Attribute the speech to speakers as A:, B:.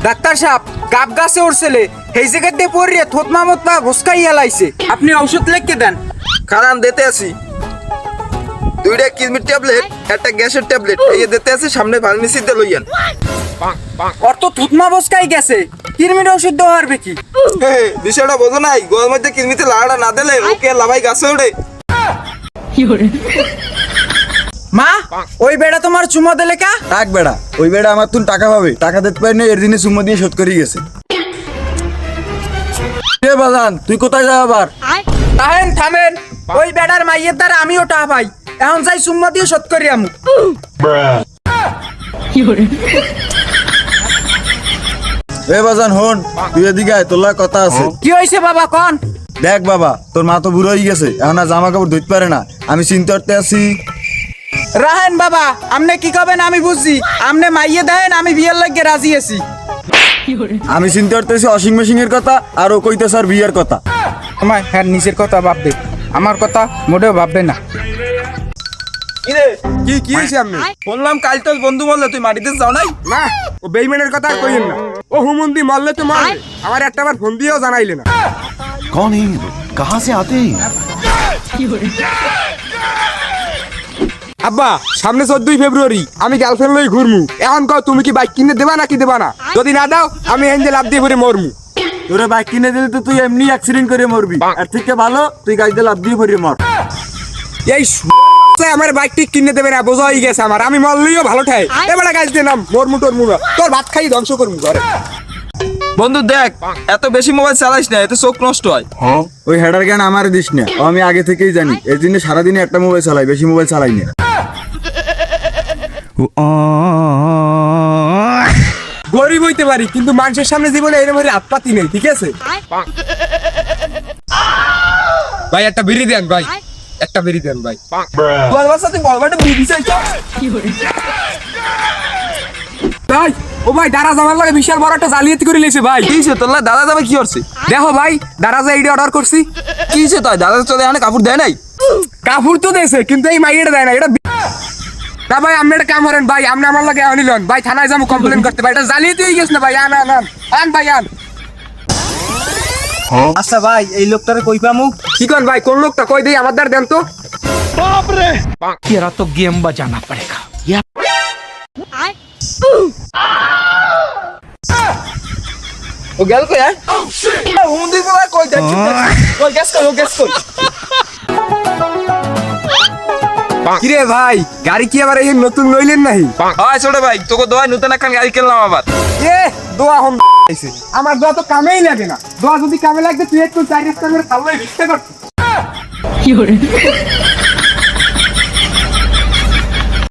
A: Doctor সাহেব গাব গাছে উঠছিলে এই জায়গাতে পড়িয়ে থতমা মতমা ঘুসকাই হেলাইছে, আপনি ঔষধ লিখে দেন।
B: খারান দিতে আসি, 2টা কিডনির ট্যাবলেট, একটা গ্যাসের ট্যাবলেট এই দিতে আসি, সামনে ফার্মেসিতে লইয়ান।
A: ওর তো থুতমা বসকাই গেছে, কিরমির ওষুধ দেওয়া পারবে কি?
B: বিষয়টা বোঝো নাই, গোয়ার মধ্যে কিডনিতে লাড়া না দিলে ওকে লাভাই গাছে ওঠে।
A: মা ওই বেড়া তোমার চুমো দিলে কা?
C: টাক বেড়া, ওই বেড়া আমার তুন টাকা পাবে, টাকা দিতে পারি না, এর দিনে সুম্মা দিয়ে শোধ করে গেছে। এ বাজান তুই কোথায় যাও আবার?
A: থামেন থামেন, ওই বেড়ার মাইয়ের দ্বারা আমিও টাকা পাই, এখন যাই চুম্মা দিয়ে শোধ করি আমু।
C: এ বাজান হন, তুই এদিকে আয়, তোর লগে কথা আছে।
A: কি হয়েছে বাবা কন?
C: দেখ বাবা, তোর মা তো বুড়ো হয়ে গেছে, এখন আর জামা কাপড় ধুইতে পারে না, আমি চিন্তা করতে আছি।
A: রাহেন বাবা, আপনি কি করবেন আমি বুঝছি, আপনি মাইয়ে দেন, আমি বিয়ের লাগে রাজি আছি।
C: আমি চিন্তা করতেছি ওয়াশিং মেশিন এর কথা, আর ও কইতেছে আর বিয়ের কথা।
A: আমার হ্যাঁ নিজের কথা ভাববে, আমার কথা মোটেও ভাববে না।
B: কি হয়েছে? আপনি বললাম কাল তোর বন্ধু বললে তুই মাটিতে যাও নাই।
D: না, ও বেইমানের কথা আর কইেন না। ও হুমন্দি মারলে তো মারলে, আমার একটাবার ফোন দিয়েও জানাইলে না।
E: कौन है ये लोग? कहाँ से आते हैं?
D: আব্বা সামনে 14 ফেব্রুয়ারি আমি গার্লফ্রেন্ড লই ঘুরমু, এখন কও তুমি কি বাইক কিনে দেবা নাকি দেবা না? যদি না দাও আমি এনজে লাভ দিয়ে পরে মরমু।
C: তোরে বাইক কিনে দিলে তো তুই এমনি অ্যাক্সিডেন্ট করে মরবি, আর থেকে ভালো তুই গাড়িতে লাফ দিয়ে পড়ে মর।
D: এই আমার বাইক ঠিক কিনে দেবে না, বোঝা হয়ে গেছে আমার, আমি মরলেও ভালো ঠাই। এবারে গাছ দিয়ে নাম মরমু টরমু না, তোর ভাত খাই ধ্বংস করমু ঘরে।
B: বন্ধু দেখ, এত বেশি মোবাইল চালাইস না, এতে চোখ নষ্ট হয়।
C: ওই হেডার জ্ঞান আমার দিস না, ও আমি আগে থেকেই জানি, এর জন্য সারাদিনে একটা মোবাইল চালাই, বেশি মোবাইল চালাই না।
D: গরিব হইতে পারি কিন্তু মানুষের সামনে জীবনে এরকম হাত পাতি নেই, ঠিক আছে ভাই? একটা বিড়ি দেন ভাই, একটা বিড়ি দেন ভাই।
B: তোর বাসা তুই বলবাটা বিবি চাইছ।
D: ভাই ও ভাই দারাজ আমার লাগে বিশাল বড় একটা জালিয়াতি করে লেছে ভাই।
B: কি হয়েছে তোর দাদা যাবে কি করছে?
D: দেখো ভাই দারাজে এইটা অর্ডার করছি।
B: কি হয়েছে তাই দাদা চলে এখানে কাপড় দেয় নাই?
D: কাপড় তো দেছে কিন্তু এই মাইয়েটা দেয় না, এটা না ভাই। আপনি একটা কাম করেন ভাই, আপনি আমার লাগে আনিলেন ভাই, থানায় যাবো কমপ্লেন করতে ভাই, এটা জালিয়াতি হয়ে গেছে না ভাই। আন আন আন আন ভাই আন।
A: আচ্ছা ভাই এই লোকটারে কই পামু?
D: কি করেন ভাই, কোন লোকটা কই দেই আমার দ্বার দেন তো।
F: तेरा तो गेम बजाना पड़ेगा।
B: ও গেল কই? হুমন্দি বলা কই দেখ, কই গ্যাস কই, ও গ্যাস কই।
D: কিরে ভাই গাড়ি কি আবার এই নতুন লইলেন নাহি?
B: হয় ছোট ভাই, তোকে দোয়া নতুন একটা গাড়ি কিনলাম আবার।
D: এ দোয়া হন আইছে, আমার দোয়া তো কামেই লাগে না। দোয়া যদি কামে লাগবে তুই একটু চাইনিজ করে খাওয়াই ভিক্ষা করতে।